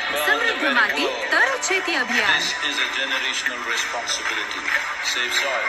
समृद्ध माती तर शेती अभियान. This is a generational responsibility. Save soil.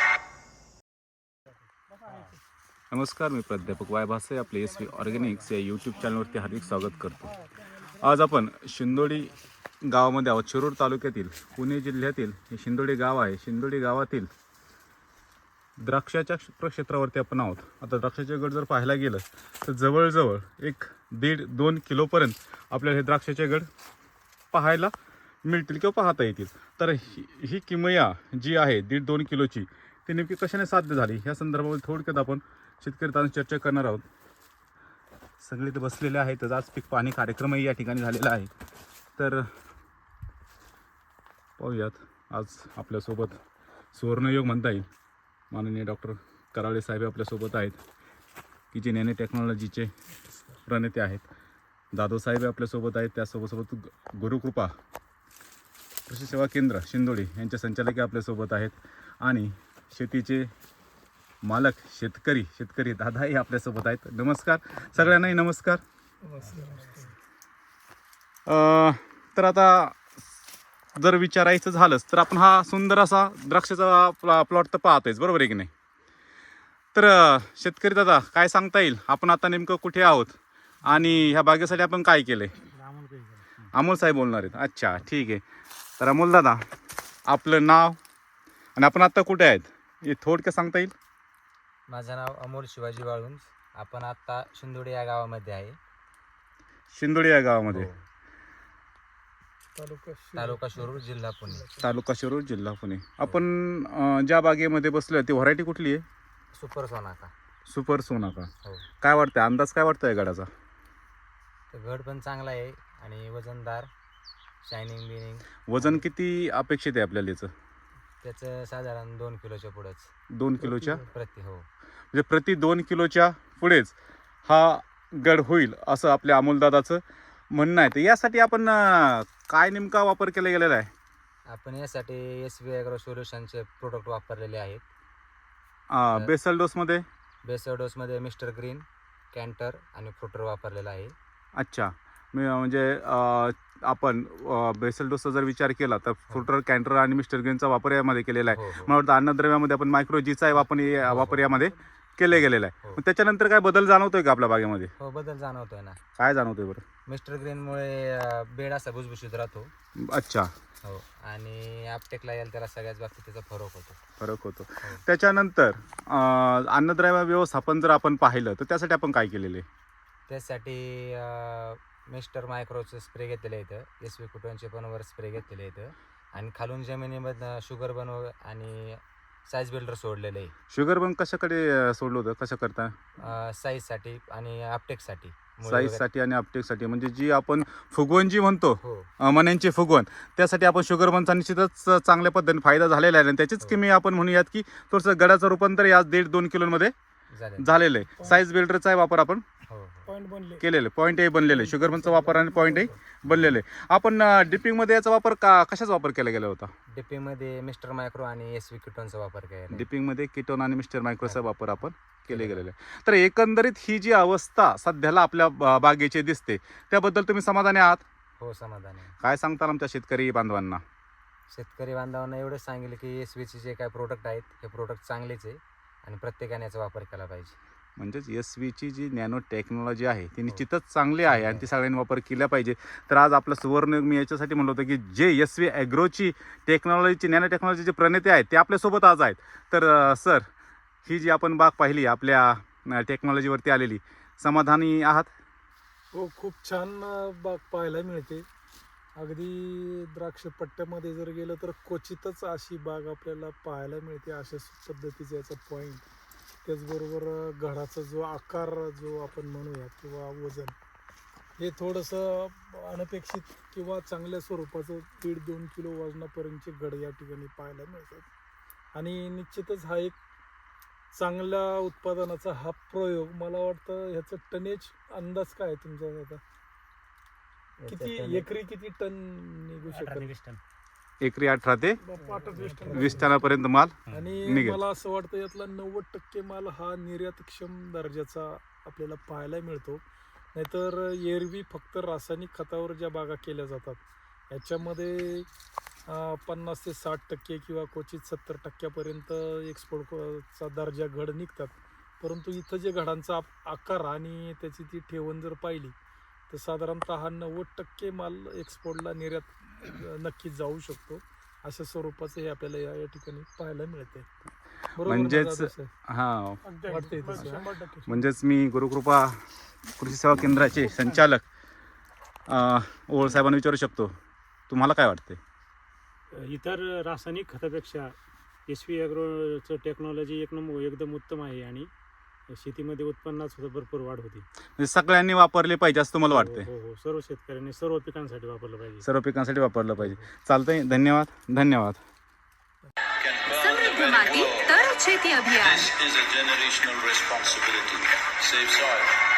नमस्कार, मी प्राध्यापक वाय भासे आपले SV ऑर्गॅनिक्स या यूट्यूब चॅनलवरती हार्दिक स्वागत करतो. आज आपण शिंदोडी गावामध्ये आहोत. शिरूर तालुक्यातील पुणे जिल्ह्यातील हे शिंदोडी गाव आहे. शिंदोडी गावातील द्राक्षाच्या प्रक्षेत्रावरती आपण आहोत. आता द्राक्षाचे गड जर पाहायला गेलं तर जवळजवळ 1.5-2 किलोपर्यंत आपल्याला हे द्राक्षाचे गड पाहायला मिळतील किंवा पाहता येतील. तर ही किमया जी आहे 1.5-2 किलोची ती नेमकी कशाने साध्य झाली ह्या संदर्भामध्ये थोडक्यात आपण शेतकरी चर्चा करणार आहोत. सगळे ते बसलेले आहेत. आज पीक पाहणी कार्यक्रमही या ठिकाणी झालेला आहे. तर पाहूयात, आज आपल्यासोबत सुवर्णयोग म्हणता येईल माननीय डॉक्टर कराळे साहेब आपल्यासोबत आहेत, की जे नॅनो टेक्नॉलॉजीचे प्रणेते आहेत. जाधव साहेब आपल्यासोबत आहेत. त्यासोबत गुरुकृपा कृषी सेवा केंद्र शिंदोडी यांचे संचालक आपल्यासोबत आहेत. आणि शेतीचे मालक शेतकरी दादाही आपल्यासोबत आहेत. नमस्कार सगळ्यांनाही. नमस्कार. तर आता जर विचारायचं झालंच तर आपण हा सुंदर असा द्राक्षाचा प्लॉट तर पाहतोय, बरोबर आहे की नाही? तर शेतकरी दादा काय सांगता येईल, आपण आता नेमकं कुठे आहोत आणि ह्या बागेसाठी आपण काय केलंय? अमोल साहेब बोलणार आहेत. अच्छा, ठीक आहे. तर अमोल दादा, आपलं नाव आणि आपण आता कुठे आहेत हे थोडक्यात सांगता येईल? माझं नाव अमोल शिवाजी वाळुंज. आपण आता शिंदोडी या गावामध्ये आहे. शिंदोडी या गावामध्ये, तालुका शिरूर, जिल्हा पुणे. तालुका शिरूर, जिल्हा पुणे. आपण ज्या बागेमध्ये बसलोय ती व्हरायटी कुठली आहे? सुपर सोनाका. सुपर सोनाका. हो. काय वाटतंय, अंदाज काय वाटतंय गडाचा? तर घड पण चांगला आहे आणि वजनदार, शायनिंग बिनिंग. वजन किती अपेक्षित आहे आपल्याला याचं? त्याचं साधारण 2 किलोच्या पुढेच. 2 किलोच्या प्रति. हो, म्हणजे प्रति 2 किलोच्या पुढेच हा गड होईल असं आपल्या अमोलदादाचं म्हणणं आहे. तर यासाठी आपण काय नेमका वापर केला गेलेला आहे? आपण यासाठी SV ॲग्रो सोल्युशनचे प्रोडक्ट वापरलेले आहेत. बेसल डोसमध्ये? बेसल डोसमध्ये मिस्टर ग्रीन, कॅन्टर आणि फ्रुटर वापरलेला आहे. अच्छा, म्हणजे आपण बेसल डोसचा जर विचार केला तर फ्रुटर, कॅन्टर आणि मिस्टर ग्रीनचा वापर यामध्ये केलेला आहे. मला वाटतं अन्नद्रव्यामध्ये आपण मायक्रोजीचा वापर यामध्ये केले गेलेला आहे. मग त्याच्यानंतर काय बदल जाणवतोय का आपल्या बागेमध्ये? हो, बदल जाणवतोय ना. काय जाणवतोय बरं? मिस्टर ग्रीनमुळे बेड असा भुसभुशीत राहतो. अच्छा. हो, आणि आपटेकला यायला त्याला सगळ्याच बाबतीत त्याचा फरक होतो. त्याच्यानंतर अन्नद्रव्य व्यवस्थापन जर आपण पाहिलं तर त्यासाठी आपण काय केलेलं आहे? त्यासाठी मिस्टर मायक्रोचं स्प्रे घेतलेलं आहे इथं. SV कुटोनचे पण वर स्प्रे घेतलेले आहेत आणि खालून जमिनीमधनं शुगर बनव आणि साईज बिल्डर सोडलेलं आहे. शुगर बन कशाकडे सोडलं होतं, कसं करता? साईजसाठी आणि अपटेकसाठी. साईजसाठी आणि अपटेकसाठी, म्हणजे जी आपण फुगवण जी म्हणतो, हो, मण्यांची फुगवण, त्यासाठी आपण शुगर बनचा निश्चितच चांगल्या पद्धतीने फायदा झालेला आहे. आणि त्याचीच किमी आपण म्हणूयात की थोडंसं गडाचं रूपांतर या 1.5-2 किलोमध्ये झालेलं आहे. साईज बिल्डरचा वापर आपण केलेलं, पॉईंट ए बनलेले, शुगर बनचा वापर आणि पॉईंट ए बनलेले. आपण डिपिंगमध्ये याचा वापर कशाचा वापर केला गेला होता? डिपिंगमध्ये मिस्टर मायक्रो आणि SV किटोनचा वापर केला. डिपिंगमध्ये किटोन आणि मिस्टर मायक्रोचा वापर आपण केले गेलेले. तर एकंदरीत ही जी अवस्था सध्याला आपल्या बागेची दिसते त्याबद्दल तुम्ही समाधानी आहात? हो, समाधानी. काय सांगताल आमच्या शेतकरी बांधवांना? शेतकरी बांधवांना एवढंच सांगेल की SVचे जे काय प्रोडक्ट आहेत हे प्रोडक्ट चांगलेच आहे आणि प्रत्येकाने याचा वापर केला पाहिजे. म्हणजेच SVची जी नॅनो टेक्नॉलॉजी आहे ती निश्चितच चांगली आहे आणि ती सगळ्यांनी वापर केला पाहिजे. तर आज आपलं सुवर्ण मी याच्यासाठी म्हणलं होतं की जे SV ॲग्रोची टेक्नॉलॉजीची, नॅनो टेक्नॉलॉजीचे प्रणेते आहेत ते आपल्यासोबत आज आहेत. तर सर, ही जी आपण बाग पाहिली आपल्या टेक्नॉलॉजीवरती आलेली, समाधानी आहात? हो, खूप छान बाग पाहायला मिळते. अगदी द्राक्ष पट्ट्यामध्ये जर गेलं तर क्वचितच अशी बाग आपल्याला पाहायला मिळते. अशा पद्धतीचा याचा पॉईंट, त्याचबरोबर घडाचा जो आकार जो आपण म्हणूया किंवा वजन, हे थोडंसं अनपेक्षित किंवा चांगल्या स्वरूपाचं 1.5-2 किलो वजनापर्यंतचे घड या ठिकाणी पाहायला मिळतात. आणि निश्चितच हा एक चांगल्या उत्पादनाचा हा प्रयोग. मला वाटतं ह्याचं टनेज अंदाज काय तुमचा आता? किती एकरी किती टन निघू शकतो? एकरी 18 ते 20 टनापर्यंत माल आणि निघेल. मला असं वाटतं यातला 90% माल हा निर्यातक्षम दर्जाचा आपल्याला पाहायला मिळतो. नाहीतर एरवी फक्त रासायनिक खतावर ज्या बागा केल्या जातात याच्यामध्ये 50 ते 60% किंवा क्वचित 70% एक्सपोर्टचा दर्जा घड निघतात. परंतु इथं जे घडांचा आकार आणि त्याची ती ठेवण जर पाहिली तर साधारणतः 90% माल एक्सपोर्टला निर्यात नक्कीच जाऊ शकतो. अशा स्वरूपाचं हे आपल्याला या ठिकाणी पाहायला मिळते. बरोबर ना म्हणजेच जाधव साहेब? हां वाटतंय तसं, हा? 100%. म्हणजेच मी गुरुकृपा कृषी सेवा केंद्राचे संचालक ओळ साहेबांना विचारू शकतो, तुम्हाला काय वाटते? इतर रासायनिक खतापेक्षा SV ॲग्रोचं टेक्नॉलॉजी एकदम उत्तम आहे आणि शेतीमध्ये उत्पन्नात सुद्धा भरपूर वाढ होती. म्हणजे सगळ्यांनी वापरले पाहिजे असं तुम्हाला वाटते? हो हो, सर्व शेतकऱ्यांनी सर्व पिकांसाठी वापरलं पाहिजे. सर्व पिकांसाठी वापरलं पाहिजे. चालतंय, धन्यवाद धन्यवाद. Can burn समृद्ध the माती very world. तर शेती अभियान. This is a generational responsibility. Save soil.